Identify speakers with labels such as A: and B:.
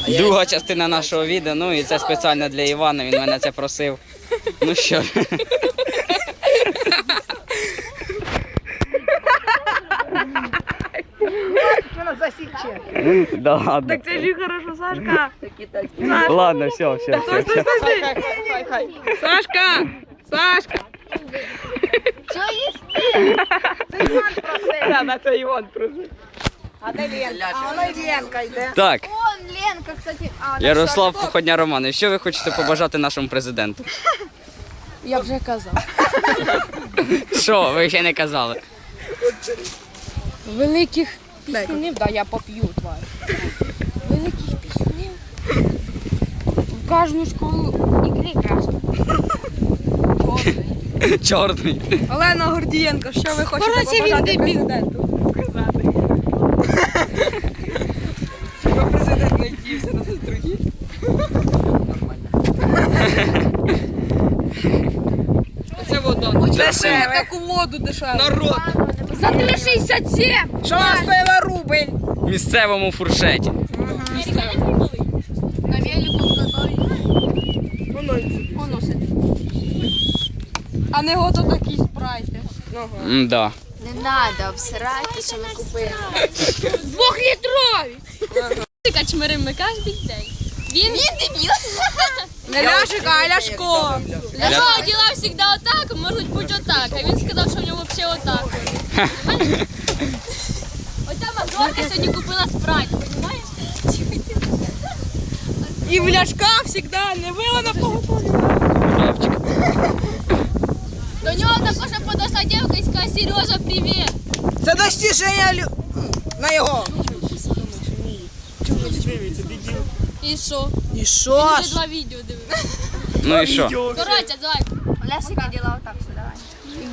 A: Друга частина нашого відео, ну і це спеціально для Івана, він мене це просив. Ну що? Да ладно.
B: Так це ж і хорошо, Сашка.
A: Ладно, все.
B: Стой. Сашка! Сашка!
C: Що їсти?
B: Це Іван просив. Да, це Іван просив. А де Ленка? А вона й Ленка йде.
A: Так,
C: Вон, Ленка, кстати.
A: Ярослав Походня Романович, що ви хочете побажати нашому президенту?
C: Я вже казав.
A: Що, ви ще не казали?
C: Великих пісюнів, да, я поп'ю, тварь. Великих пісюнів. В кожну школу ікри красну.
A: Чорний.
B: Олена Гордієнко, що ви хочете
C: Короче, він
B: побажати
C: дебіл.
B: президенту? Сказати. Щоб президент не дівся на другі. Це вода. Дешеве. Таку воду дешеве. Народ.
C: За 3,67.
B: Що стоїла рубль?
A: В місцевому фуршеті.
C: На велику готові. Воно сидить.
B: А не гото такі спрайти.
A: Да.
C: Не треба обсирати, що ми купили. 2-літрові.
D: Качмиримо кожен день. Він
C: дебіл.
B: Не Ляшик, а Ляшко.
D: Ляшко діла завжди отак, можуть бути отак. А він сказав, що в нього взагалі отак. Оця мажорка сьогодні купила спрайт, розумієш?
B: І в Ляшка завжди не вила на поготові.
D: До нього також подошла дівка і сказала: Сережа, привіт.
B: Це достіження на його.
D: І що?
B: І що
D: Вже 2 відео дивився.
A: Ну і що?
D: Коротше, давай.
C: Ляшика діла отак, що давай.